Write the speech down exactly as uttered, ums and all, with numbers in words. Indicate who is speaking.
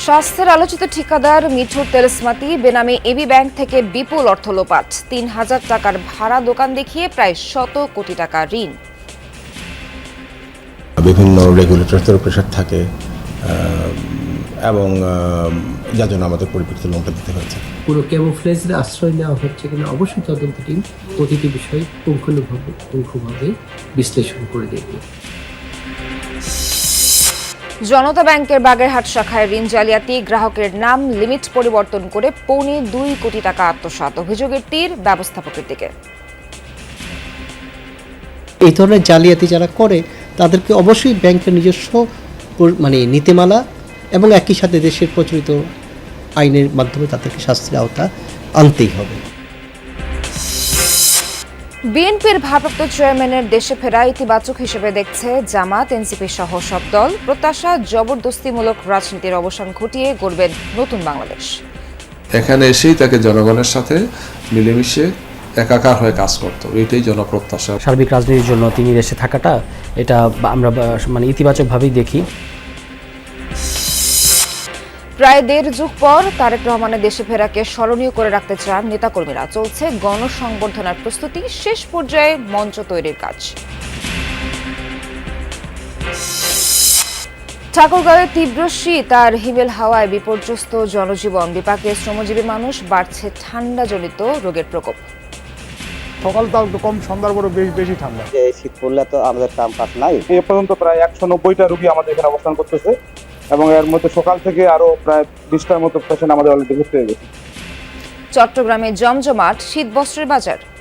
Speaker 1: স্বাস্থ্যের আলোচিত ঠিকাদার মিঠুর তেলসমাতি বেনামে এবি ব্যাংক থেকে বিপুল অর্থ লোপাট, তিন হাজার টাকার ভাড়া দোকান দেখিয়ে প্রায় শত কোটি টাকা ঋণ।
Speaker 2: বিভিন্ন রেগুলেটরদের প্রেশার থাকে এবং যার জন্য আমাদের পরিপ্রেক্ষিতে লোনটা দিতে হয়েছে।
Speaker 3: পুরো ক্যামোফ্লেজের আশ্রয় নেওয়া হচ্ছে কিনা অবশ্যই তদন্ত টিম প্রতিটি বিষয় পুঙ্খানুপুঙ্খভাবে পুঙ্খানুপুঙ্খভাবে বিশ্লেষণ করে দেখবে।
Speaker 1: জনতা ব্যাংকের বাগেরহাট শাখায় ঋণ জালিয়াতি, গ্রাহকের নাম লিমিট পরিবর্তন করে পৌনে দুই কোটি টাকা আত্মসাৎ, অভিযোগের তীর ব্যবস্থাপকের দিকে।
Speaker 4: এই ধরনের জালিয়াতি যারা করে তাদেরকে অবশ্যই ব্যাংকের নিজস্ব মানে নীতিমালা এবং একই সাথে দেশের প্রচলিত আইনের মাধ্যমে তাদেরকে শাস্তির আওতা আনতেই হবে।
Speaker 1: বিএনপির ভারপ্রাপ্ত চেয়ারম্যানের দেশে ফেরা ইতিবাচক হিসেবে দেখছে জামাত, এনসিপি সহ সব দল। প্রত্যাশা, জবরদস্তিমূলক রাজনীতির অবসান ঘটিয়ে গড়বেন নতুন বাংলাদেশ।
Speaker 5: এখানে এসেই তাকে জনগণের সাথে মিলেমিশে একাকার হয়ে কাজ করতে হবে, এটাই জনপ্রত্যাশা।
Speaker 6: সার্বিক রাজনীতির জন্য তিনি দেশে থাকাটা এটা আমরা মানে ইতিবাচকভাবেই দেখি।
Speaker 1: প্রায় দেড় যুগ পর তারেক রহমানের দেশে ফেরাকে স্মরণীয় করে রাখতে চান নেতাকর্মীরা। চলছে গণসংবর্ধনার প্রস্তুতি, শেষ পর্যায়ে মঞ্চ তৈরির কাজ। ঠাকুরগাঁওয়ে তীব্র শীত আর হিমেল হাওয়ায় বিপর্যস্ত জনজীবন, বিপাকে শ্রমজীবী মানুষ, বাড়ছে ঠান্ডাজনিত রোগের প্রকোপ।
Speaker 7: সকালটাও একটু কম, সন্ধ্যার পরে বেশি বেশি ঠান্ডা।
Speaker 8: এই শীত পড়লে তো আমাদের কাম কাজ নাই।
Speaker 7: এ পর্যন্ত প্রায় একশো নব্বইটা রোগী আমাদের এখানে অবস্থান করতেছে এবং এর মধ্যে সকাল থেকে আরো প্রায় বিশটার মতো পেশেন্ট আমাদের অলরেডি ভর্তি হয়ে গেছে।
Speaker 1: চট্টগ্রামে জমজমাট শীত বস্ত্রের বাজার।